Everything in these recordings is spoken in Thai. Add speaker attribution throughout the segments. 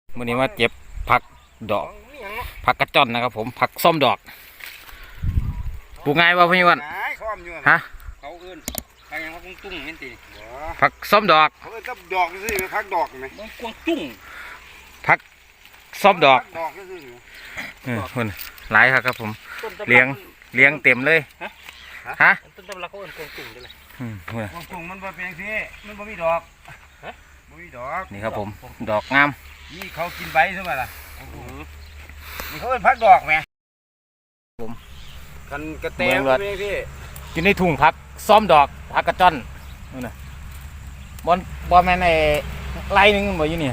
Speaker 1: วันนี้มาเก็บผักดอกผักกระจ่อนนะครับผมผักส้มดอกปลูกง่ายป่ะพี่วันฮะ
Speaker 2: เขาเอื้นผักยังผักตุ้งเห็นตี
Speaker 1: ผักส้มดอก
Speaker 3: เขาเอื้นกับดอกสิผักดอกไหม
Speaker 2: มันกวางตุ้ง
Speaker 1: ผักส้มดอก
Speaker 3: ดอกสิ
Speaker 1: คนหลายครับผมเลี้ยงเต็มเลยฮะ
Speaker 2: ต้นตำลักเขาเอื้นกวางตุ้งได้เลย
Speaker 3: กวางตุ้งมันบ่เป็นสิมันบ่มีดอกบ่มีดอก
Speaker 1: นี่ครับผมดอกงาม
Speaker 3: นี่เขากินใบใช่ไหมล่ะนี่เขาเป็นผักดอกไหม
Speaker 1: ผม
Speaker 3: กันกระเตงเป็นสิ
Speaker 1: อยู่ในถุงผักส้มดอกผักกระจ่อนนู่นน่ะบอลแมนไอ้ไล่นึงบ่อยู่นี่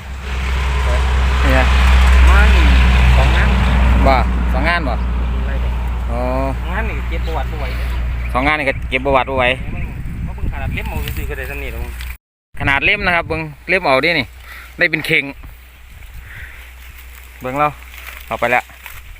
Speaker 1: เนี่ย
Speaker 2: มันสองงาน
Speaker 1: บ่สองงานบ่อ๋อง
Speaker 2: านนี่เก็บประวัติไว้
Speaker 1: สองงานนี่ก็เก็บประวัติไว้
Speaker 2: เขาเพิ่งขนาดเล็บมือซื้อก็ได้สนิทแล้ว
Speaker 1: ขนาดเล่มนะครับเบิ้งเล่มเอาดินี่ได้เป็นเข่งเบิ้งเราเอาไปแล้ว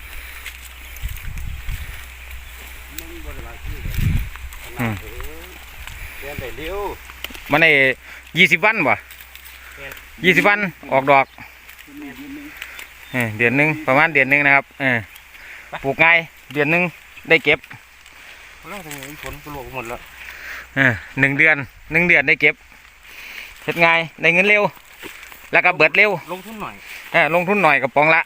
Speaker 1: มันใน20 วันบ่20 วันออกดอกเดือนหนึ่งประมาณเดือนหนึ่งนะครับปลูกง่ายเดือนหนึ่งได้เก็บ
Speaker 2: แล้วทำไมฝนปลวกหมดแล้ว
Speaker 1: 1 เดือนได้เก็บเฮ็ดง่ายได้เงินเร็วแล้วก็เบิดเร็ว
Speaker 2: ลงทุนหน่อย
Speaker 1: ลงทุนหน่อยกระป๋องละ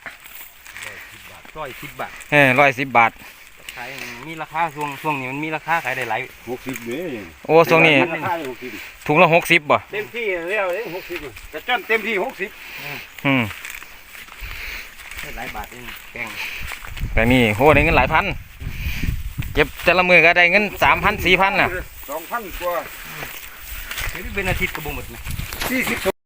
Speaker 2: 110 บาท
Speaker 1: 110 บาท
Speaker 2: ขายมีราคาช่วงนี้มันมีราคาขายได้หลาย
Speaker 3: 60เนี่ย
Speaker 1: โอ้ช่วงนี้ถุงละ60บ่
Speaker 3: เต็มที่แล้ว60แต่จนเต็มที่60
Speaker 2: หลายบาทเองแกง
Speaker 1: แต่นี่โหได้เงินหลายพันเก็บแต่ละมือก็ได้เงิน3,000 4,000น่ะ
Speaker 3: 2,000 กว่า
Speaker 2: เป็นอาทิตย์ก็บ่หมดนะ
Speaker 3: 40